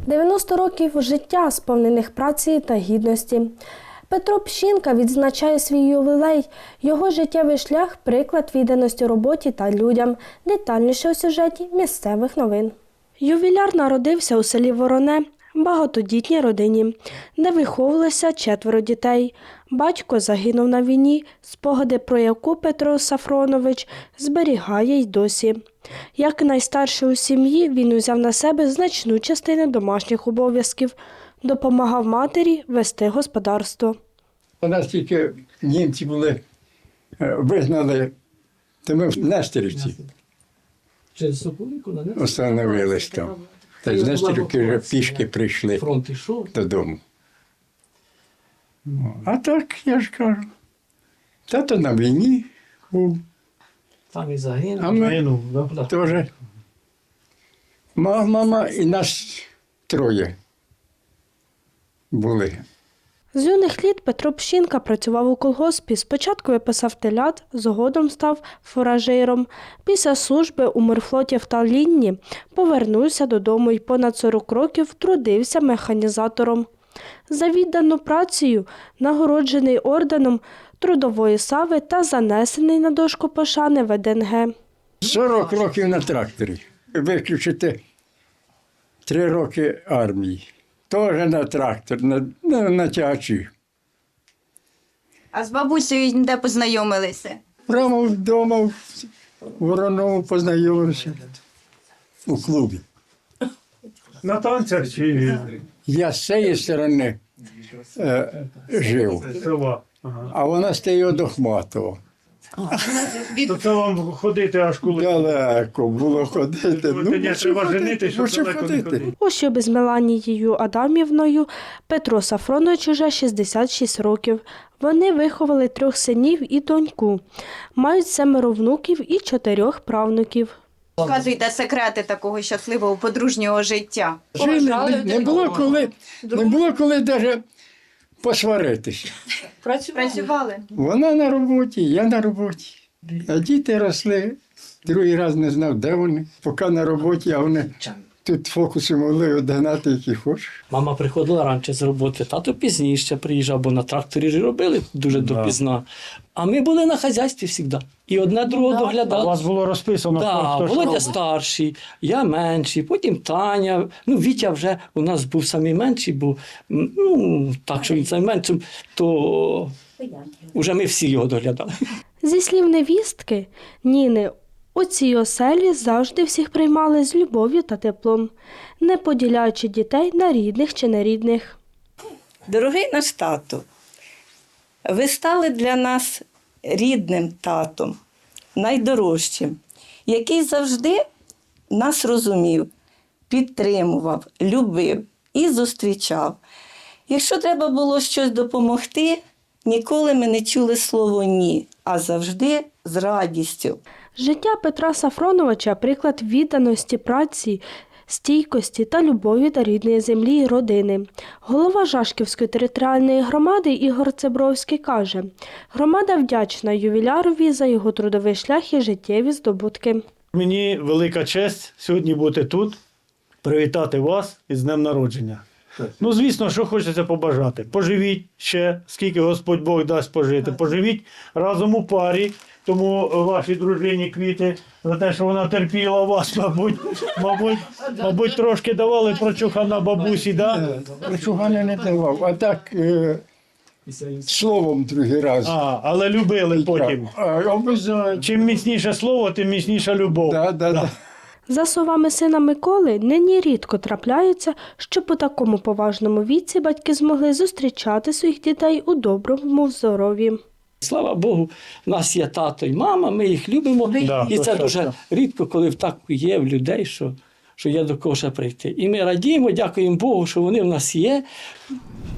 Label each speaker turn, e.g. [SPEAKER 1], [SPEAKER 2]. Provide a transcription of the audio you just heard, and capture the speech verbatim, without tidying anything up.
[SPEAKER 1] дев'яносто років життя, сповнених праці та гідності. Петро Пщінка відзначає свій ювілей. Його життєвий шлях – приклад відданості роботі та людям. Детальніше у сюжеті місцевих новин. Ювіляр народився у селі Вороне, багатодітній родині, де виховувалося четверо дітей. Батько загинув на війні, спогади про яку Петро Сафронович зберігає й досі. Як найстарший у сім'ї, він узяв на себе значну частину домашніх обов'язків, допомагав матері вести господарство.
[SPEAKER 2] У нас тільки німці були, вигнали, то ми в Нестерівці остановились там. Та з Нестерівки вже пішки прийшли додому. А так, я ж кажу, тато на війні був.
[SPEAKER 3] Там і загинув.
[SPEAKER 2] А ми
[SPEAKER 3] Загинув, да?
[SPEAKER 2] теж. Мама і нас троє були.
[SPEAKER 1] З юних літ Петро Пщінка працював у колгоспі. Спочатку виписав телят, згодом став фуражиром. Після служби у морфлоті в Таллінні повернувся додому і понад сорок років трудився механізатором. За віддану працею нагороджений орденом Трудової слави та занесений на дошку пошани В Д Н Г.
[SPEAKER 2] сорок років на тракторі. Виключити три роки армії. Теж на трактор, на, на, на тягачі.
[SPEAKER 4] А з бабусею де познайомилися?
[SPEAKER 2] Прямо вдома в Вороному познайомився у клубі.
[SPEAKER 3] На танцях чи
[SPEAKER 2] Я з цієї сторони е, жив,
[SPEAKER 3] села? Ага.
[SPEAKER 2] а вона з тієї до Хматова.
[SPEAKER 3] То це вам ходити аж коли?
[SPEAKER 2] Далеко було ходити.
[SPEAKER 3] Ну, тоді треба женити, щоб
[SPEAKER 2] мусив
[SPEAKER 3] далеко не
[SPEAKER 2] ходити.
[SPEAKER 3] ходити.
[SPEAKER 1] У шлюбі з Меланією Адамівною Петро Сафронович уже шістдесят шість років. Вони виховали трьох синів і доньку. Мають семеро внуків і чотирьох правнуків.
[SPEAKER 4] Розказуйте секрети такого щасливого подружнього життя.
[SPEAKER 2] Жили, не, не було коли, не було коли навіть посваритися.
[SPEAKER 4] Працювали?
[SPEAKER 2] Вона на роботі, я на роботі. А діти росли. Другий раз не знав, де вони. Поки на роботі, а вони тут фокуси могли одгнати, які хочеш.
[SPEAKER 5] Мама приходила раніше з роботи, тато пізніше приїжджав, бо на тракторі ж робили дуже допізна. А ми були на хазяйстві завжди. І одне другого
[SPEAKER 3] У
[SPEAKER 5] доглядали.
[SPEAKER 3] вас було розписано,
[SPEAKER 5] Так,
[SPEAKER 3] хто що
[SPEAKER 5] Володя
[SPEAKER 3] робить.
[SPEAKER 5] старший, я менший, потім Таня. Ну, Вітя вже у нас був самий менший, бо ну, так, що він самий менший, то вже ми всі його доглядали.
[SPEAKER 1] Зі слів невістки Ніни, у цій оселі завжди всіх приймали з любов'ю та теплом, не поділяючи дітей на рідних чи нерідних.
[SPEAKER 6] Дорогий наш тато, ви стали для нас рідним татом, найдорожчим, який завжди нас розумів, підтримував, любив і зустрічав. Якщо треба було щось допомогти, ніколи ми не чули слово «ні», а завжди з радістю.
[SPEAKER 1] Життя Петра Сафроновича – приклад відданості праці, стійкості та любові до рідної землі і родини. Голова Жашківської територіальної громади Ігор Цебровський каже, громада вдячна ювілярові за його трудовий шлях і життєві здобутки.
[SPEAKER 3] Мені велика честь сьогодні бути тут, привітати вас із днем народження. Ну, звісно, що хочеться побажати. Поживіть ще, скільки Господь Бог дасть пожити. Поживіть разом у парі, тому вашій дружині квіти за те, що вона терпіла вас, мабуть, мабуть, мабуть трошки давали прочухана бабусі, да?
[SPEAKER 2] Причугана не давав, а так е, словом другий раз.
[SPEAKER 3] А, але любили потім.
[SPEAKER 2] А, обов'язково.
[SPEAKER 3] Чим міцніше слово, тим міцніша любов.
[SPEAKER 2] Да, да, да.
[SPEAKER 1] За словами сина Миколи, нині рідко трапляється, щоб у такому поважному віці батьки змогли зустрічати своїх дітей у доброму здоров'ї.
[SPEAKER 5] Слава Богу, в нас є тато і мама, ми їх любимо.
[SPEAKER 3] Да,
[SPEAKER 5] І
[SPEAKER 3] то
[SPEAKER 5] це
[SPEAKER 3] що,
[SPEAKER 5] дуже
[SPEAKER 3] що.
[SPEAKER 5] рідко, коли так є в людей, що, що є до кого ще прийти. І ми радіємо, дякуємо Богу, що вони в нас є.